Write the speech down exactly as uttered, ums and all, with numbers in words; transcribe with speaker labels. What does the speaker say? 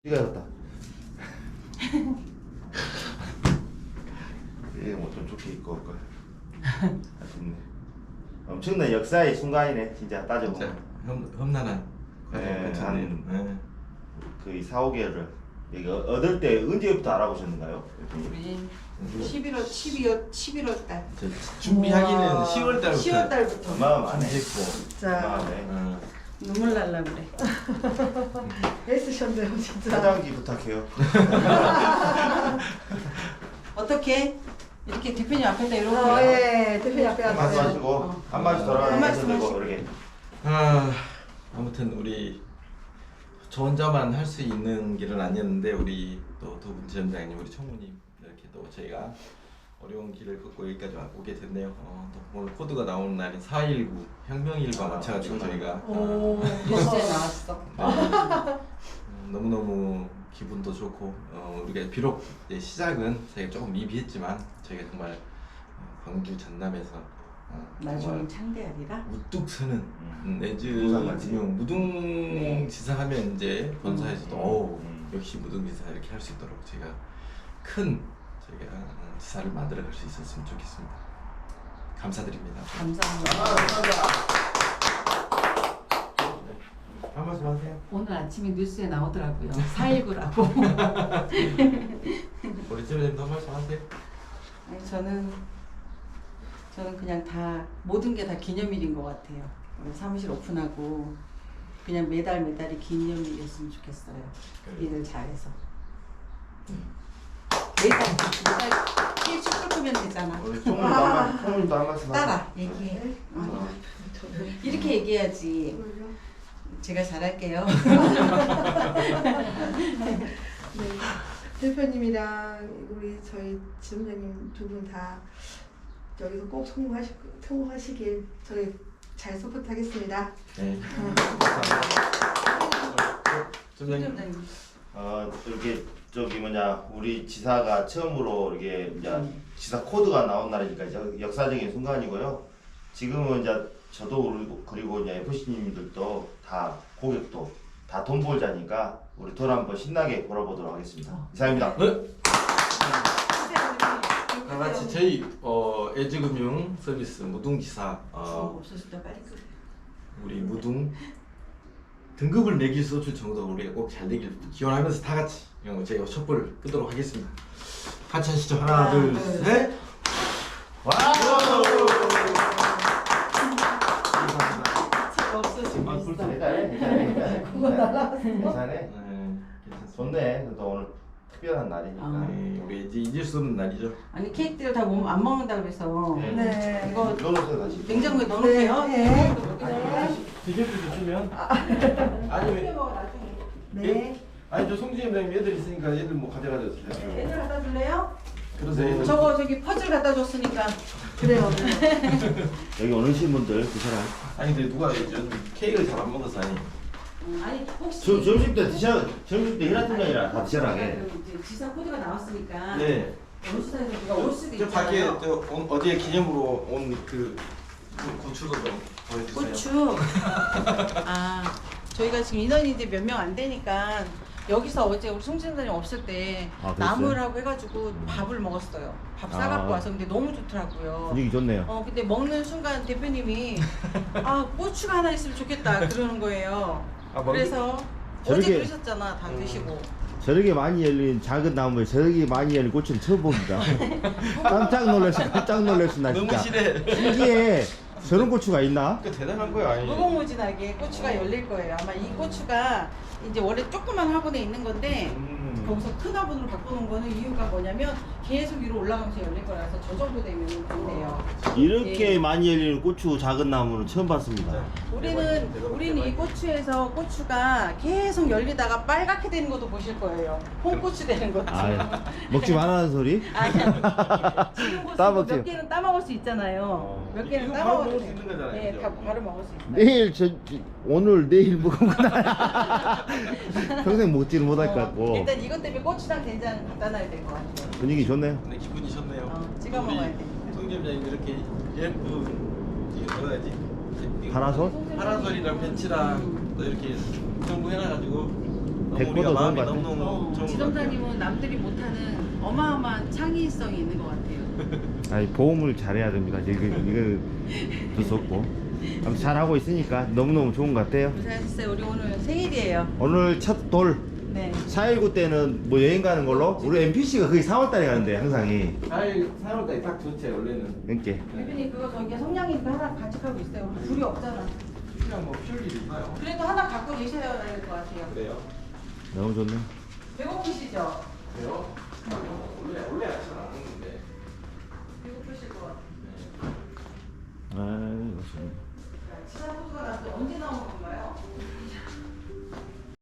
Speaker 1: 이가 였다. 이게 뭐 좀 좋게 입고 올 걸. 아쉽네. 엄청난 역사의 순간이네, 진짜 따져보면.
Speaker 2: 험 험난한.
Speaker 1: 네,
Speaker 2: 과정
Speaker 1: 한
Speaker 2: 네.
Speaker 1: 거의 사, 오 개월을 여기 얻을 때 언제부터 알아보셨는가요?
Speaker 3: 우리 십일월 십이월 십일월 달.
Speaker 2: 저 준비하기는
Speaker 3: 우와.
Speaker 2: 시월 달부터.
Speaker 3: 시월 달부터.
Speaker 1: 어마어마하네.
Speaker 2: 준비했고.
Speaker 3: 자,
Speaker 1: 어마어마하네.
Speaker 2: 어.
Speaker 3: 눈물 날라 그래.
Speaker 4: 애쓰셨네요 진짜.
Speaker 1: 사장기 부탁해요.
Speaker 3: 어떻게 이렇게 대표님 앞에다 이러고.
Speaker 4: 어, 예, 대표님 앞에
Speaker 1: 한 말씀
Speaker 4: 앉으세요.
Speaker 1: 하시고
Speaker 3: 어.
Speaker 1: 한 말씀
Speaker 3: 한
Speaker 1: 돌아가면서
Speaker 3: 말씀
Speaker 1: 들고
Speaker 3: 하시고.
Speaker 1: 이렇게.
Speaker 2: 아, 아무튼 우리 저 혼자만 할 수 있는 길은 아니었는데 우리 또 두 분 지점장님, 우리 총무님 이렇게 또 저희가 어려운 길을 걷고 여기까지 오게 됐네요. 어, 또 오늘 코드가 나오는 날인 사 일구 혁명일과 맞춰가지고 저희가
Speaker 3: 오, 뉴스에 나왔어.
Speaker 2: 네. 음, 너무너무 기분도 좋고 어, 우리가 비록 이제 시작은 저희가 조금 미비했지만 저희가 정말 어, 광주 전남에서 어,
Speaker 3: 나중에 창대하리라.
Speaker 2: 우뚝 서는 음, 내주
Speaker 1: 무상같이.
Speaker 2: 금융 무등지사 하면 이제 본사에서도
Speaker 1: 음.
Speaker 2: 어우
Speaker 1: 음.
Speaker 2: 역시 무등지사 이렇게 할 수 있도록 제가 큰 저희가 어, 지사를 만들어 갈 수 있었으면 좋겠습니다. 감사드립니다.
Speaker 3: 감사합니다.
Speaker 2: 한 말씀 하세요.
Speaker 3: 오늘 아침에 뉴스에 나오더라고요. 사일구라고.
Speaker 2: 우리 지점장님도 한 말씀 하세요.
Speaker 3: 아니, 저는 저는 그냥 다 모든 게 다 기념일인 것 같아요. 오늘 사무실 오픈하고 그냥 매달 매달이 기념일이었으면 좋겠어요. 일을 잘해서. 매달 매달 일 축구 끄면 되잖아.
Speaker 1: 우리 총무도 한 말, 총무도 한 말씀 하세요.
Speaker 3: 따라 얘기해. 어. 이렇게 얘기해야지. 제가 잘할게요.
Speaker 4: 네, 대표님이랑 우리 저희 지점장님 두 분 다 여기서 꼭 성공하시, 성공하시길 저희 잘 서포트하겠습니다.
Speaker 2: 네. 지점장님.
Speaker 1: 어 이렇게 저기 뭐냐 우리 지사가 처음으로 이렇게 이제 지사 코드가 나온 날이니까 이제 역사적인 순간이고요. 지금은 이제 저도 그리고 그리고 이제 에프씨님들도 다 고객도 다 돈 벌자니까 우리 돈 한번 신나게 벌어보도록 하겠습니다. 이상입니다.
Speaker 2: 네. 다 같이 저희 어, 애지금융 서비스 무등지사 어,
Speaker 3: 없었을 때 빨리 끄래.
Speaker 2: 우리 무등 등급을 매길 수 없을 정도로 우리가 꼭 잘 되길 기원하면서 다 같이 어, 저희가 촛불을 끄도록 하겠습니다. 같이 하시죠. 하나, 둘, 셋. 와우!
Speaker 3: 제가 없어지고
Speaker 2: 아,
Speaker 3: 있어.
Speaker 2: 불쌍해.
Speaker 1: 괜찮네, 괜찮네, 괜찮네.
Speaker 4: 그거 날라갔어.
Speaker 1: 괜찮네.
Speaker 2: 네, 괜찮습니다.
Speaker 1: 좋네. 또 오늘 특별한 날이니까.
Speaker 3: 아.
Speaker 2: 네, 우리 이제 잊을 수 없는 날이죠.
Speaker 3: 아니 케이크들 다 안 먹는다 그래서
Speaker 1: 네.
Speaker 4: 네.
Speaker 3: 이거
Speaker 1: 넣어놓으세요 다시.
Speaker 3: 냉장고에 넣어놓을게요.
Speaker 4: 네.
Speaker 2: 비결도 주시면 아니면
Speaker 4: 네.
Speaker 2: 아니 저 송지점장님 애들 있으니까 애들 뭐 가져가져 주세요.
Speaker 3: 애들 갖다 줄래요?
Speaker 2: 그러세요. 애들.
Speaker 3: 저거 저기 퍼즐 갖다 줬으니까.
Speaker 4: 그래요.
Speaker 1: 여기 오신 분들 드셔라.
Speaker 2: 아니 근데 누가 저 케이크를 잘 안 먹어서 아니.
Speaker 3: 음, 아니 혹시
Speaker 1: 저, 점심 때 드셔. 점심 때 일하는 게 아니라 다 드셔라. 예.
Speaker 3: 그 이제 지사 코드가 나왔으니까
Speaker 2: 네.
Speaker 3: 어느 시대에서 누가 올 수도
Speaker 2: 저 밖에
Speaker 3: 있잖아요.
Speaker 2: 저 온- 어디에 기념으로 온 그 고추도 좀 보여주세요.
Speaker 3: 고추. 아 저희가 지금 인원이 이제 몇 명 안 되니까 여기서 어제 우리 송진사님 없을 때
Speaker 1: 아, 그랬어요?
Speaker 3: 나물하고 해가지고 밥을 먹었어요. 밥 싸갖고
Speaker 1: 아.
Speaker 3: 와서 근데 너무 좋더라고요.
Speaker 1: 분위기 좋네요.
Speaker 3: 어 근데 먹는 순간 대표님이 아 고추가 하나 있으면 좋겠다 그러는 거예요.
Speaker 2: 아, 먹-
Speaker 3: 그래서
Speaker 1: 저렇게-
Speaker 3: 어제 그러셨잖아 다
Speaker 2: 음.
Speaker 3: 드시고.
Speaker 1: 저렇게 많이 열린 작은 나무에 저렇게 많이 열린 꽃은 처음 봅니다. 깜짝 놀랐어. 깜짝 놀랐어 나
Speaker 2: 너무
Speaker 1: 진짜.
Speaker 2: 실해.
Speaker 1: 신기해. 저런 고추가 있나?
Speaker 2: 그 대단한 거야. 아니.
Speaker 3: 무궁무진하게 고추가 열릴 거예요. 아마 이 고추가 이제 원래 조그만 화분에 있는 건데
Speaker 2: 음.
Speaker 3: 거기서 큰 화분으로 바꾸는 거는 이유가 뭐냐면 계속 위로 올라가면서 열릴 거라서 저 정도 되면 된대요.
Speaker 1: 이렇게
Speaker 3: 예.
Speaker 1: 많이 열리는 고추 작은 나무는 처음 봤습니다.
Speaker 3: 우리는 우리는 이 고추에서 고추가 계속 열리다가 빨갛게 되는 것도 보실 거예요. 홍고추 되는 것도.
Speaker 1: 아, 먹지 말라는 소리?
Speaker 3: 아니, 지금 고추
Speaker 1: 따먹지.
Speaker 3: 몇 개는 따먹을 수 있잖아요.
Speaker 2: 어.
Speaker 3: 몇 개는
Speaker 2: 이거 바로
Speaker 3: 따먹을
Speaker 2: 먹을
Speaker 3: 수
Speaker 2: 수 있는 거잖아요,
Speaker 3: 네,
Speaker 2: 그죠?
Speaker 3: 다 바로 먹을 수 있어요.
Speaker 1: 내일 저 오늘 내일 먹으면 평생 먹지를 못할 것 같고
Speaker 3: 일단 이것 때문에 고추장 된장 갖다 놔야 될 것 같아요.
Speaker 1: 분위기 좋네요.
Speaker 2: 근데 기분이 좋네요.
Speaker 3: 어, 찍어 먹어야 돼.
Speaker 2: 송점장님 이렇게 예쁜 이게 뭐라 해야지?
Speaker 1: 파라솔?
Speaker 2: 파라솔이랑 벤치랑 또 이렇게 정부 해놔가지고 너무
Speaker 1: 데코도
Speaker 2: 우리가
Speaker 1: 좋은
Speaker 2: 마음이
Speaker 1: 것 같아.
Speaker 2: 너무너무
Speaker 3: 어,
Speaker 2: 좋은 것 같아요.
Speaker 3: 지점장님은 남들이 못하는 어마어마한 창의성이 있는 것 같아요.
Speaker 1: 아니 보험을 잘해야 됩니다. 이거 이거 두 수 없고. 아무튼 잘하고 있으니까 너무너무 좋은 것 같아요.
Speaker 3: 고생하셨어요. 우리 오늘 생일이에요.
Speaker 1: 오늘 첫 돌.
Speaker 3: 네.
Speaker 1: 사일구 때는 뭐 여행 가는 걸로? 우리 엠피씨가 거의 사월달에 가는데 항상이.
Speaker 2: 사일 사월까지 딱 좋지 원래는.
Speaker 1: 이렇게.
Speaker 3: 대표님 그거 저기 성냥이도 하나 간직하고 있어요. 우리 불이 없잖아.
Speaker 2: 그냥 뭐 피울 일이 있나요?
Speaker 3: 그래도 하나 갖고 계셔야 될 것 같아요.
Speaker 2: 그래요?
Speaker 1: 너무 좋네.
Speaker 3: 배고프시죠?
Speaker 2: 그래요? 원래 원래 아침